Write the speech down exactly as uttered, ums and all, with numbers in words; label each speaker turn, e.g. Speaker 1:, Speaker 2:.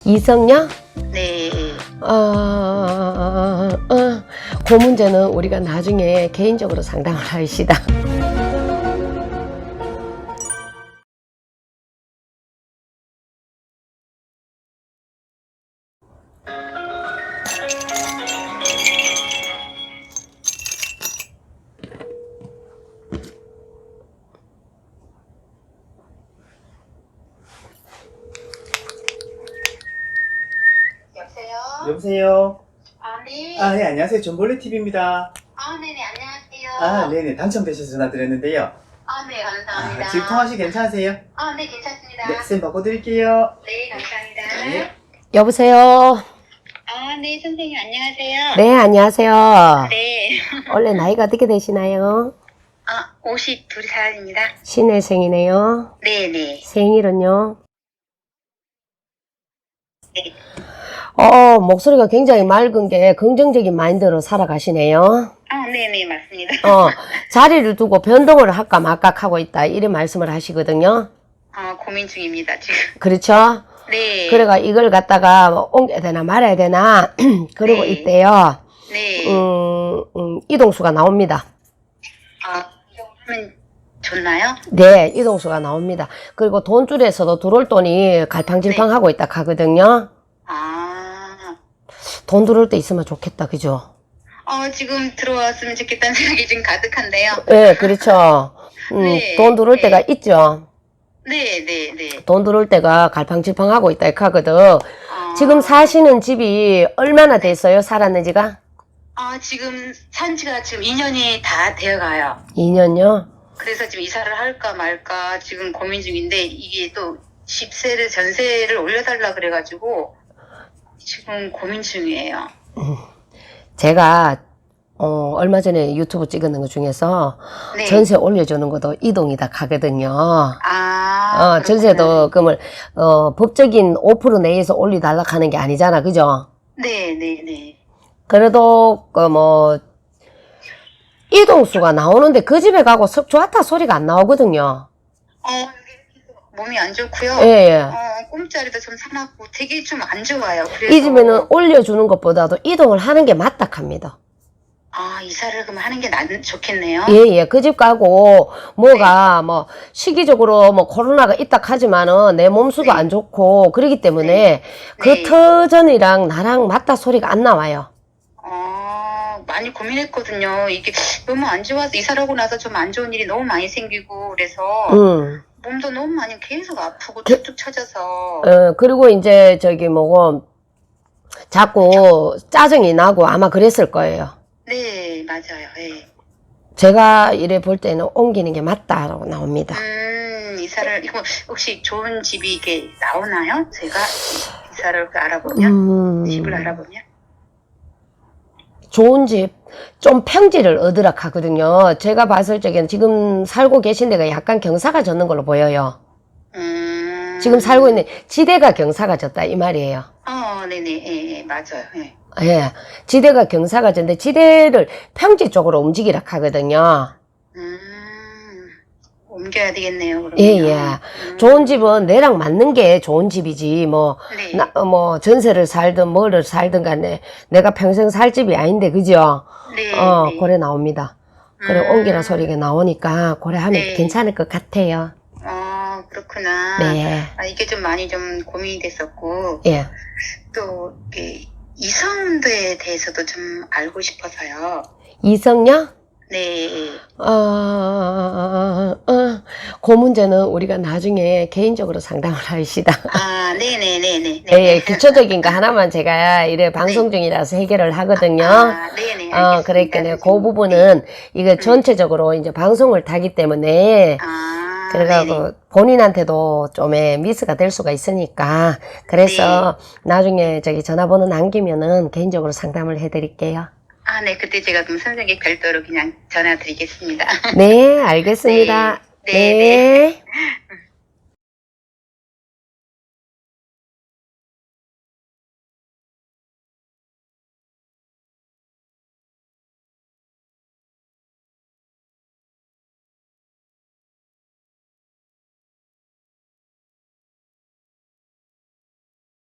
Speaker 1: 이성녀?
Speaker 2: 네.
Speaker 1: 어, 어, 어, 그 문제는 우리가 나중에 개인적으로 상담을 하시다.
Speaker 2: 여보세요?
Speaker 3: 여보세요?
Speaker 2: 아, 네.
Speaker 3: 아, 네, 안녕하세요. 존볼레티비입니다.
Speaker 2: 아, 네네, 안녕하세요.
Speaker 3: 아, 네네. 당첨되셔서 전화드렸는데요.
Speaker 2: 아, 네, 감사합니다.
Speaker 3: 아, 지금 통화시 괜찮으세요?
Speaker 2: 아, 네, 괜찮습니다.
Speaker 3: 네, 쌤 바꿔드릴게요.
Speaker 2: 네, 감사합니다.
Speaker 3: 네.
Speaker 1: 여보세요?
Speaker 2: 아, 네, 선생님, 안녕하세요.
Speaker 1: 네, 안녕하세요.
Speaker 2: 네.
Speaker 1: 원래 나이가 어떻게 되시나요?
Speaker 2: 아, 오십두 살입니다.
Speaker 1: 신혜생이네요.
Speaker 2: 네네.
Speaker 1: 생일은요?
Speaker 2: 네.
Speaker 1: 어, 목소리가 굉장히 맑은 게 긍정적인 마인드로 살아가시네요.
Speaker 2: 아, 네네, 맞습니다.
Speaker 1: 어, 자리를 두고 변동을 할까 말까 하고 있다. 이런 말씀을 하시거든요.
Speaker 2: 아, 고민 중입니다, 지금.
Speaker 1: 그렇죠?
Speaker 2: 네.
Speaker 1: 그래가 이걸 갖다가 뭐 옮겨야 되나 말아야 되나 그러고
Speaker 2: 네.
Speaker 1: 있대요.
Speaker 2: 네.
Speaker 1: 음, 음, 이동수가 나옵니다.
Speaker 2: 아, 이거 하면 좋나요?
Speaker 1: 네, 이동수가 나옵니다. 그리고 돈줄에서도 들어올 돈이 갈팡질팡하고 있다 하거든요.
Speaker 2: 아,
Speaker 1: 돈 들어올 때 있으면 좋겠다, 그죠?
Speaker 2: 어, 지금 들어왔으면 좋겠다는 생각이 지금 가득한데요.
Speaker 1: 네, 그렇죠. 음,
Speaker 2: 네,
Speaker 1: 돈 들어올
Speaker 2: 네.
Speaker 1: 때가 있죠.
Speaker 2: 네, 네, 네.
Speaker 1: 돈 들어올 때가 갈팡질팡하고 있다 하거든.
Speaker 2: 아,
Speaker 1: 지금 사시는 집이 얼마나 됐어요? 살았는지가?
Speaker 2: 아, 지금 산 지가 지금 이 년이 다 되어 가요.
Speaker 1: 이 년요?
Speaker 2: 그래서 지금 이사를 할까 말까 지금 고민 중인데 이게 또 집세를 전세를 올려달라 그래가지고 지금 고민 중이에요.
Speaker 1: 제가 어, 얼마 전에 유튜브 찍었는 것 중에서
Speaker 2: 네.
Speaker 1: 전세 올려주는 것도 이동이다 하거든요.
Speaker 2: 아,
Speaker 1: 어, 전세도 그러면 어, 법적인 오 퍼센트 내에서 올리달라 하는 게 아니잖아, 그죠?
Speaker 2: 네, 네, 네.
Speaker 1: 그래도 그 뭐 이동수가 나오는데 그 집에 가고 썩 좋았다 소리가 안 나오거든요.
Speaker 2: 어, 몸이 안 좋고요.
Speaker 1: 예, 예.
Speaker 2: 어, 꿈자리도 좀 사납고 되게 좀 안 좋아요. 그래서
Speaker 1: 이 집에는 올려주는 것보다도 이동을 하는 게 맞다 합니다.
Speaker 2: 아, 이사를 그럼 하는 게 난, 좋겠네요.
Speaker 1: 예, 예. 그 집 가고, 뭐가, 뭐, 시기적으로 뭐, 코로나가 있다 하지만은, 내 몸수도
Speaker 2: 네.
Speaker 1: 안 좋고, 그러기 때문에,
Speaker 2: 네.
Speaker 1: 그
Speaker 2: 네.
Speaker 1: 터전이랑 나랑 맞다 소리가 안 나와요.
Speaker 2: 어, 많이 고민했거든요. 이게 너무 안 좋아서 이사를 하고 나서 좀 안 좋은 일이 너무 많이 생기고 그래서
Speaker 1: 음.
Speaker 2: 몸도 너무 많이 계속 아프고
Speaker 1: 그-
Speaker 2: 쭉쭉 쳐져서
Speaker 1: 어, 그리고 이제, 저기, 뭐고, 자꾸 짜증이 나고 아마 그랬을 거예요.
Speaker 2: 네, 맞아요. 네.
Speaker 1: 제가 이래 볼 때는 옮기는 게 맞다라고 나옵니다.
Speaker 2: 음, 이사를 이거 혹시 좋은 집이 이게 나오나요? 제가 이사를 알아보면
Speaker 1: 음,
Speaker 2: 집을 알아보면
Speaker 1: 좋은 집, 좀 평지를 얻으라 하거든요. 제가 봤을 적에는 지금 살고 계신 데가 약간 경사가 졌는 걸로 보여요.
Speaker 2: 음,
Speaker 1: 지금 살고 있는 지대가 경사가 졌다 이 말이에요.
Speaker 2: 어, 네네, 예, 예, 맞아요. 예.
Speaker 1: 예, 지대가 경사가 졌는데 지대를 평지 쪽으로 움직이라 하거든요.
Speaker 2: 음, 옮겨야 되겠네요. 그러면.
Speaker 1: 예, 예.
Speaker 2: 음,
Speaker 1: 좋은 집은 내랑 맞는 게 좋은 집이지, 뭐,
Speaker 2: 네.
Speaker 1: 나, 어, 뭐, 전세를 살든 뭐를 살든 간에 내가 평생 살 집이 아닌데, 그죠?
Speaker 2: 네,
Speaker 1: 어,
Speaker 2: 네.
Speaker 1: 고래 나옵니다. 그래,
Speaker 2: 음.
Speaker 1: 옮기라 소리가 나오니까, 고래 하면
Speaker 2: 네.
Speaker 1: 괜찮을 것 같아요.
Speaker 2: 어, 그렇구나.
Speaker 1: 네.
Speaker 2: 아, 이게 좀 많이 좀 고민이 됐었고,
Speaker 1: 예.
Speaker 2: 또, 이렇게 이성도에 대해서도 좀 알고 싶어서요.
Speaker 1: 이성녀?
Speaker 2: 네.
Speaker 1: 어, 어, 어, 그 문제는 우리가 나중에 개인적으로 상담을 하시다.
Speaker 2: 아, 네네네네.
Speaker 1: 예, 예, 기초적인 거 하나만 제가 이래 방송 중이라서 해결을 하거든요.
Speaker 2: 아, 네네.
Speaker 1: 어,
Speaker 2: 알겠습니다.
Speaker 1: 그러니까요. 그
Speaker 2: 선생님.
Speaker 1: 부분은 이거 전체적으로 이제 방송을 타기 때문에
Speaker 2: 아,
Speaker 1: 그래가지고
Speaker 2: 네네.
Speaker 1: 본인한테도 좀의 미스가 될 수가 있으니까 그래서
Speaker 2: 네.
Speaker 1: 나중에 저기 전화번호 남기면은 개인적으로 상담을 해드릴게요.
Speaker 2: 아, 네. 그때 제가 그럼 선생님 별도로 그냥 전화 드리겠습니다.
Speaker 1: 네, 알겠습니다.
Speaker 2: 네,
Speaker 1: 네.
Speaker 2: 네, 네.